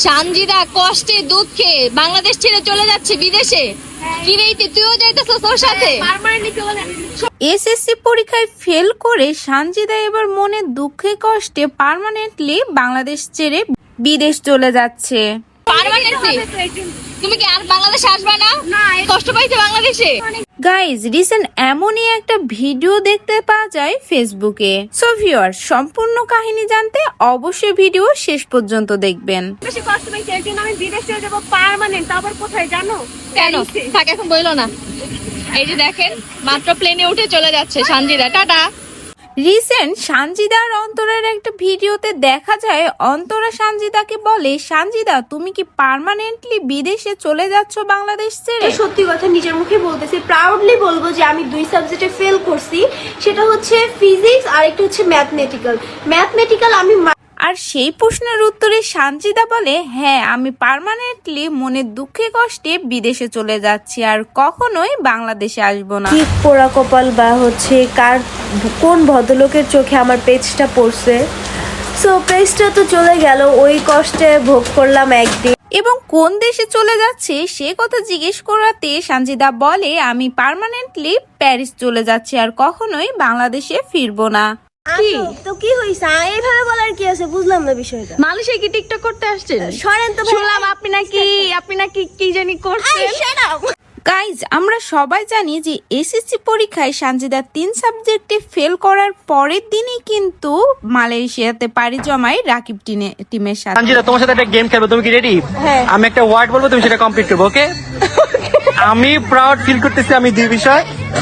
সানজিদা কষ্টে দুঃখে বাংলাদেশ ছেড়ে চলে যাচ্ছে বিদেশে। কি রে তুইও যাইতেছস ওর সাথে? এসএসসি পরীক্ষায় ফেল করে সানজিদা এবার মনে দুঃখে কষ্টে পার্মানেন্টলি বাংলাদেশ ছেড়ে বিদেশ চলে যাচ্ছে। পার্মানেন্টলি? তুমি কি আর বাংলাদেশে আসবে না? কষ্ট পাইছে বাংলাদেশে? গাইজ রিসেন্ট এমনই একটা ভিডিও দেখতে পাওয়া যায় ফেসবুকে। সো ভিউয়ার সম্পূর্ণ কাহিনী জানতে অবশ্যই ভিডিও শেষ পর্যন্ত দেখবেন। বেশি কষ্ট পাইছি এর জন্য আমি বিদেশ চলে যাবো পার্মানেন্ট। তারপর কোথায় জানো? কেন? থাক এখন বইলো না। এই যে দেখেন মাত্র প্লেনে উঠে চলে যাচ্ছে সানজিদা, টাটা। রিসেন্ট সানজিদা আর অন্তরার একটা ভিডিওতে দেখা যায় অন্তরা সানজিদাকে বলে, সানজিদা তুমি কি পার্মানেন্টলি বিদেশে চলে যাচ্ছ বাংলাদেশ ছেড়ে? সত্যি কথা নিজের মুখে বলতেছি, প্রাউডলি বলবো যে আমি 2 সাবজেক্টে ফেল করছি। সেটা হচ্ছে ফিজিক্স আর একটা হচ্ছে ম্যাথমেটিক্যাল আমি। আর সেই প্রশ্নের উত্তরে সানজিদা বলে, হ্যাঁ আমি পার্মানেন্টলি মনের দুঃখে কষ্টে বিদেশে চলে যাচ্ছি আর কখনোই বাংলাদেশে আসবো না। কি পোড়া কপাল বা হচ্ছে কোন ভদ্রলোকের চোখে আমার পেজটা পড়ছে। সো পেজটা তো চলে গেল, ওই কষ্টে ভোগ করলাম একদিন। এবং কোন দেশে চলে যাচ্ছে সে কথা জিজ্ঞেস করাতে সানজিদা বলে, আমি পার্মানেন্টলি প্যারিস চলে যাচ্ছি আর কখনোই বাংলাদেশে ফিরবো না। তো কি হইছে এইভাবে বলার কি আছে, বুঝলাম না বিষয়টা। মালয়েশিয়ায় কি টিকটক করতে আসছেন? সরেন তো, শুনলাম আপনি নাকি কি জানি করছেন। গাইজ আমরা সবাই জানি যে এসএসসি পরীক্ষায় সানজিদা 3 সাবজেক্টে ফেল করার পরের দিনই কিন্তু মালয়েশিয়াতে পাড়ি জমায় রাকিব টিমের সাথে। সানজিদা তোমার সাথে একটা গেম খেলবো, তুমি কি রেডি? আমি একটা ওয়ার্ড বলবো, তুমি সেটা কমপ্লিট করবো, ওকে? আমি প্রাউড ফিল করতেছি আমি 2 বিষয়।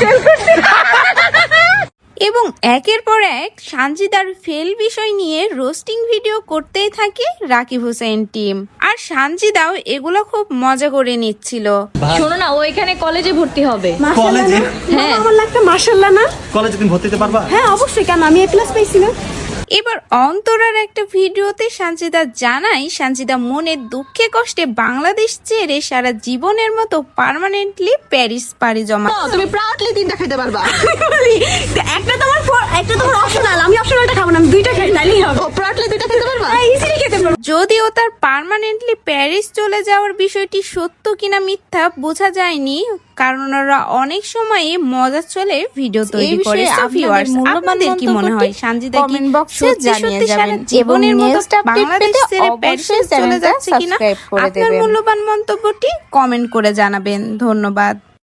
এবং একের পর এক সানজিদার ফেল বিষয় নিয়ে রোস্টিং ভিডিও করতেই থাকে রাকিব হোসেন টিম। আর সানজিদাও এগুলো খুব মজা করে নিচ্ছিল। শোনো না, ও এখানে কলেজে ভর্তি হবে। কলেজে? হ্যাঁ। আমার লাগটা মাশাআল্লাহ না? কলেজে তুমি ভর্তি হতে পারবা? হ্যাঁ অবশ্যই, কেন আমি A+ পাইছি না? এবার অন্তরার একটা ভিডিওতে সানজিদা জানায়, সানজিদা মনের দুঃখে কষ্টে বাংলাদেশ ছেড়ে সারা জীবনের মতো পার্মানেন্টলি প্যারিস পাড়ি জমা। তুমি প্রাউডলি 3টা খেতে পারবা। একটা তোমার অপশনাল, আমি অপশনালটা খাবো না, আমি 2টা খাই, তাইলেই হবে। ও প্রাউডলি 2টা খেতে পারবা? ইজিলি খেতে পারবো। যদিও তার পার্মানেন্টলি প্যারিস চলে যাওয়ার বিষয়টি সত্য কিনা মিথ্যা বোঝা যায়নি, কারণ ওরা অনেক সময় মজা চলে ভিডিও তৈরি করে। আপনাদের কি মনে হয় সানজিদা কি সত্যি সারা জীবনের মতো বাংলাদেশ ছেড়ে প্যারিসে চলে যাচ্ছে কিনা? আপনার মূল্যবান মন্তব্যটি কমেন্ট করে জানাবেন। ধন্যবাদ।